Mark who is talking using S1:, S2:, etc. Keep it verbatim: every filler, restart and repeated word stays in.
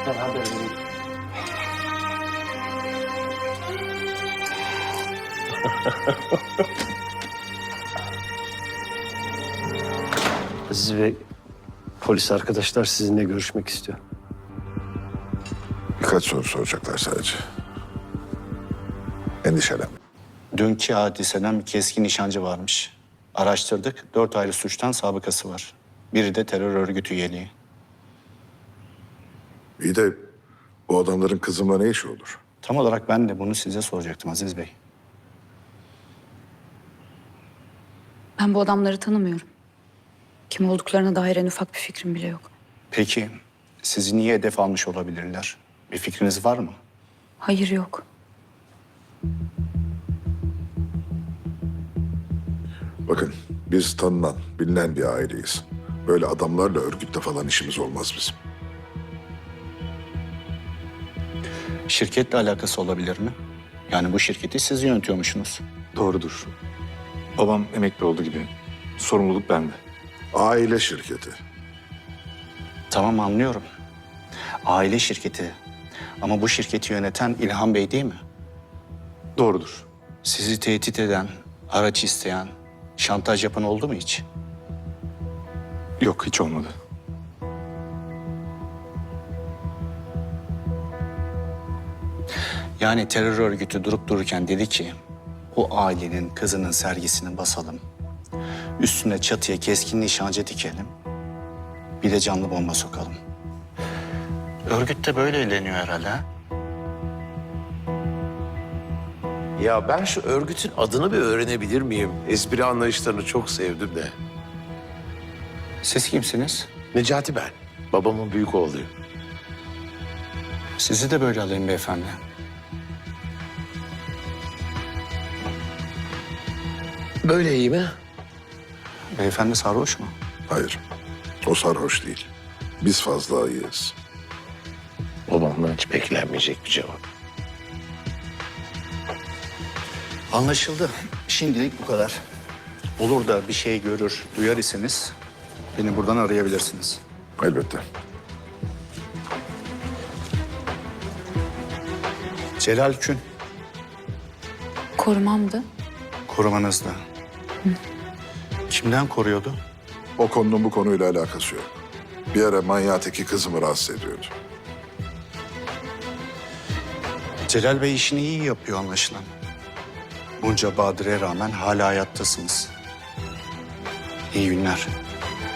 S1: Beraber gidelim. Aziz Bey, polis arkadaşlar sizinle görüşmek istiyor.
S2: Birkaç soru soracaklar sadece. Endişelenme.
S3: Dünkü hadiseden bir keskin nişancı varmış. Araştırdık. Dört ayrı suçtan sabıkası var. Biri de terör örgütü üyeliği.
S2: İyi de bu adamların kızımla ne işi olur?
S3: Tam olarak ben de bunu size soracaktım Aziz Bey.
S4: Ben bu adamları tanımıyorum. Kim olduklarına dair en ufak bir fikrim bile yok.
S3: Peki sizi niye hedef almış olabilirler? Bir fikriniz var mı?
S4: Hayır, yok.
S2: Bakın biz tanınan, bilinen bir aileyiz. Böyle adamlarla örgütle falan işimiz olmaz bizim.
S3: Şirketle alakası olabilir mi? Yani bu şirketi siz yönetiyormuşsunuz.
S5: Doğrudur. Babam emekli oldu gibi. Sorumluluk bende.
S2: Aile şirketi.
S3: Tamam, anlıyorum. Aile şirketi. Ama bu şirketi yöneten İlhan Bey değil mi?
S5: Doğrudur.
S3: Sizi tehdit eden, araç isteyen, şantaj yapan oldu mu hiç?
S5: Yok, hiç olmadı.
S3: Yani terör örgütü durup dururken dedi ki, o ailenin kızının sergisini basalım. Üstüne çatıya keskin nişancı dikelim. Bir de canlı bomba sokalım. Örgüt de böyle eğleniyor herhalde. Ha?
S6: Ya ben şu örgütün adını bir öğrenebilir miyim? Espri anlayışlarını çok sevdim de.
S3: Siz kimsiniz?
S6: Necati ben. Babamın büyük oğluyum.
S3: Sizi de böyle alayım beyefendi.
S6: Böyle iyi mi?
S3: Beyefendi sarhoş mu?
S2: Hayır, o sarhoş değil. Biz fazla iyiyiz.
S6: Babamdan hiç beklenmeyecek bir cevap.
S3: Anlaşıldı. Şimdilik bu kadar. Olur da bir şey görür, duyar iseniz beni buradan arayabilirsiniz.
S2: Elbette.
S3: Celal Kün,
S4: Korumamdı.
S3: korumanızda. Kimden koruyordu?
S2: O konunun bu konuyla alakası yok. Bir ara manyağı teki kızımı rahatsız ediyordu.
S3: Celal Bey işini iyi yapıyor anlaşılan. Bunca badire rağmen hala hayattasınız. İyi günler.